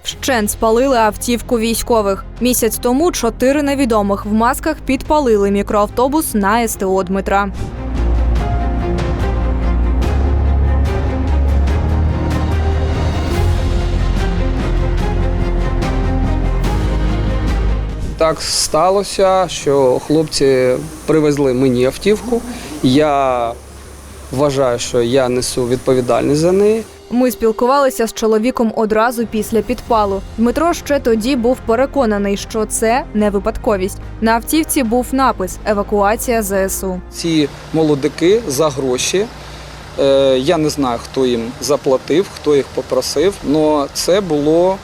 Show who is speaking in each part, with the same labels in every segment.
Speaker 1: Вщент спалили автівку військових. Місяць тому 4 невідомих в масках підпалили мікроавтобус на СТО Дмитра.
Speaker 2: Так сталося, що хлопці привезли мені автівку. Я вважаю, що я несу відповідальність за неї.
Speaker 1: Ми спілкувалися з чоловіком одразу після підпалу. Дмитро ще тоді був переконаний, що це не випадковість. На автівці був напис «Евакуація ЗСУ».
Speaker 2: Ці молодики за гроші, я не знаю, хто їм заплатив, хто їх попросив, але це було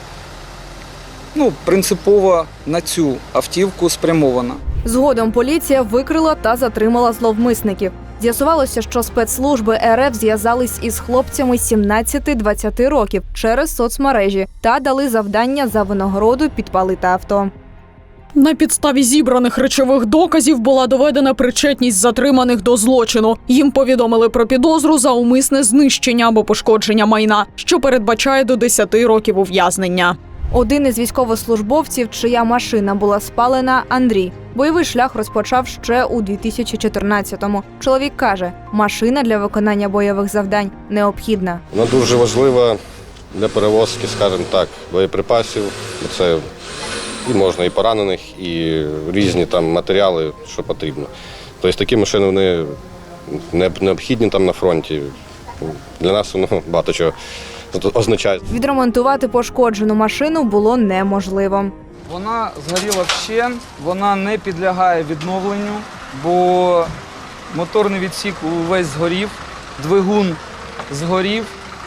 Speaker 2: принципово на цю автівку спрямовано.
Speaker 1: Згодом поліція викрила та затримала зловмисників. З'ясувалося, що спецслужби РФ зв'язались із хлопцями 17-20 років через соцмережі та дали завдання за винагороду підпалити авто.
Speaker 3: На підставі зібраних речових доказів була доведена причетність затриманих до злочину. Їм повідомили про підозру за умисне знищення або пошкодження майна, що передбачає до 10 років ув'язнення.
Speaker 1: Один із військовослужбовців, чия машина була спалена – Андрій. Бойовий шлях розпочав ще у 2014-му. Чоловік каже, машина для виконання бойових завдань необхідна.
Speaker 4: Вона дуже важлива для перевозки, скажімо так, боєприпасів. Це і можна і поранених, і різні там матеріали, що потрібно. Тобто такі машини вони необхідні там на фронті. Для нас воно багато чого означає.
Speaker 1: Відремонтувати пошкоджену машину було неможливо.
Speaker 2: Вона згоріла вщент, вона не підлягає відновленню, бо моторний відсік увесь згорів, двигун згорів,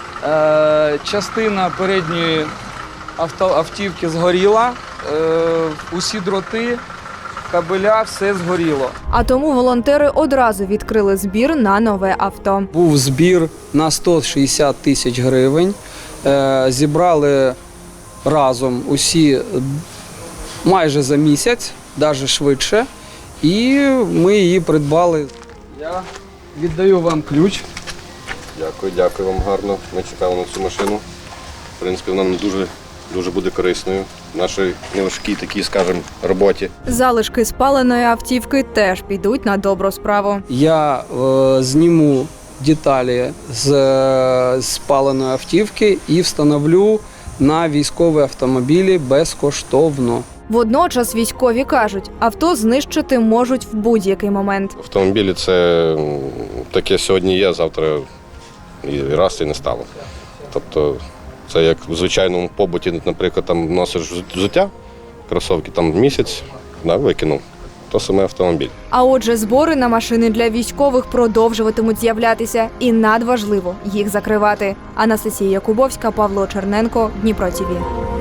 Speaker 2: частина передньої автівки згоріла, усі дроти, кабеля, все згоріло.
Speaker 1: А тому волонтери одразу відкрили збір на нове авто.
Speaker 2: Був збір на 160 тисяч гривень, зібрали разом усі майже за місяць, навіть швидше, і ми її придбали. Я віддаю вам ключ.
Speaker 4: Дякую вам гарно. Ми чекали на цю машину. В принципі, вона нам дуже буде корисною в нашій неважкій такій, скажімо, роботі.
Speaker 1: Залишки спаленої автівки теж підуть на добру справу.
Speaker 2: Я зніму деталі з спаленої автівки і встановлю на військові автомобілі безкоштовно.
Speaker 1: Водночас військові кажуть, авто знищити можуть в будь-який момент.
Speaker 4: Автомобілі – це таке сьогодні є, завтра і раз і не стало. Тобто це як в звичайному побуті, наприклад, там носиш взуття, кросівки там місяць, викинув. То саме автомобіль.
Speaker 1: А отже, збори на машини для військових продовжуватимуть з'являтися і надважливо їх закривати. Анастасія Якубовська, Павло Черненко, Дніпро ТІВІ.